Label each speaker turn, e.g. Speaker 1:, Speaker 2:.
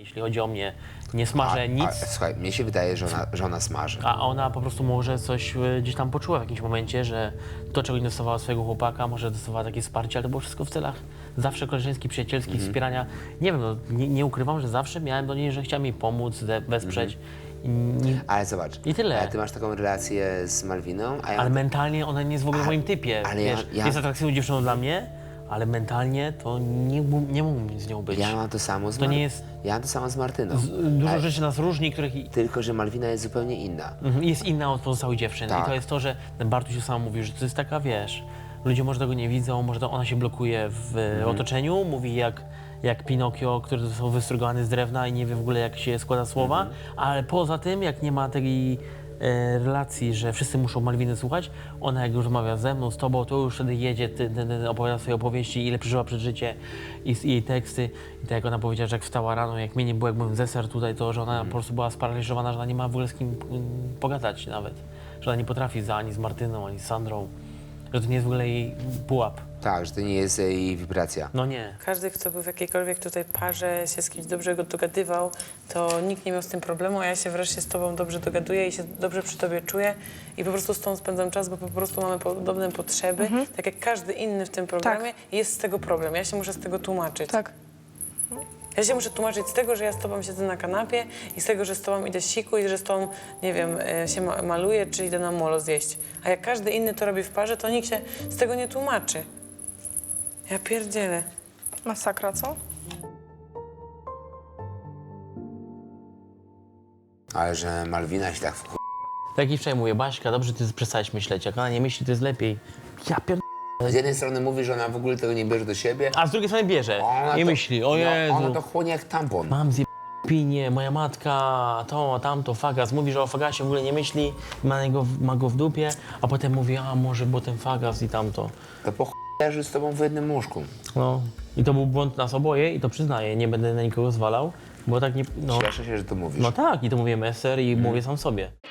Speaker 1: Jeśli chodzi o mnie, nie smażę nic,
Speaker 2: Słuchaj, mnie się wydaje, że ona smaży.
Speaker 1: a ona po prostu może coś gdzieś tam poczuła w jakimś momencie, że to, czego nie dostawała swojego chłopaka, może dostawała takie wsparcie, ale to było wszystko w celach zawsze koleżeńskich, przyjacielskich, wspierania. Nie wiem, no, nie ukrywam, że zawsze miałem do niej, że chciałem jej pomóc, wesprzeć.
Speaker 2: Ale zobacz,
Speaker 1: I tyle.
Speaker 2: ale ty masz taką relację z Malwiną, a ja
Speaker 1: Ale mentalnie ona nie jest w ogóle w moim typie.
Speaker 2: ale
Speaker 1: Wiesz,
Speaker 2: ja-
Speaker 1: jest atrakcyjną dziewczyną dla mnie, ale mentalnie to nie mógłbym z nią być.
Speaker 2: ja mam to samo z
Speaker 1: To nie jest-
Speaker 2: Ja mam to samo z Martyną.
Speaker 1: Dużo rzeczy nas różni, których
Speaker 2: Tylko, że Malwina jest zupełnie inna.
Speaker 1: jest inna od pozostałych dziewczyn.
Speaker 2: Tak.
Speaker 1: I to jest to, że Bartuś sam mówi, że to jest taka, wiesz, ludzie może tego nie widzą, może to ona się blokuje w otoczeniu, mówi jak Pinokio, który został wystrugany z drewna i nie wie w ogóle, jak się składa słowa, ale poza tym, jak nie ma takiej relacji, że wszyscy muszą Malwiny słuchać, ona jak już rozmawia ze mną, z tobą, to już wtedy jedzie, opowiada swoje opowieści, ile przeżyła przed życie i jej teksty. I tak jak ona powiedziała, że jak wstała rano, jak mnie nie było, jak byłem zeser tutaj, to że ona po prostu była sparaliżowana, że ona nie ma w ogóle z kim pogadać nawet. Że ona nie potrafi ani z Martyną, ani z Sandrą. Że to nie jest w ogóle jej pułap.
Speaker 2: Tak, że to nie jest jej wibracja.
Speaker 1: No nie.
Speaker 3: Każdy, kto był w jakiejkolwiek tutaj parze, się z kimś dobrze go dogadywał, to nikt nie miał z tym problemu, a ja się wreszcie z tobą dobrze dogaduję i się dobrze przy tobie czuję i po prostu z tą spędzam czas, bo po prostu mamy podobne potrzeby. Tak jak każdy inny w tym programie, jest z tego problem. Ja się muszę z tego tłumaczyć.
Speaker 4: Tak.
Speaker 3: Ja się muszę tłumaczyć z tego, że ja z tobą siedzę na kanapie i z tego, że z tobą idę siku i że z tobą, nie wiem, się maluję, czy idę na molo zjeść. A jak każdy inny to robi w parze, to nikt się z tego nie tłumaczy. Ja pierdzielę.
Speaker 4: Masakra, co?
Speaker 2: Ale że Malwina się tak wkur...
Speaker 1: Tak jak wczoraj mówię, Baśka, dobrze ty przestałeś myśleć, jak ona nie myśli, to jest lepiej. Ja pier...
Speaker 2: Z jednej strony mówi, że ona w ogóle tego nie bierze do siebie,
Speaker 1: A z drugiej strony bierze
Speaker 2: ona
Speaker 1: i
Speaker 2: to,
Speaker 1: myśli, o Jezu,
Speaker 2: ona to chłonie jak tampon.
Speaker 1: mam pinie, moja matka, to, tamto, fagas. Mówi, że o fagasie w ogóle nie myśli, ma go w dupie, a potem mówi, a może było ten fagas i tamto.
Speaker 2: To po leży z tobą w jednym łóżku.
Speaker 1: No. I to był błąd nas oboje i to przyznaję, nie będę na nikogo zwalał, bo tak nie... No,
Speaker 2: Cieszę się, że to mówisz.
Speaker 1: no tak, i to mówię Messer i mówię sam sobie.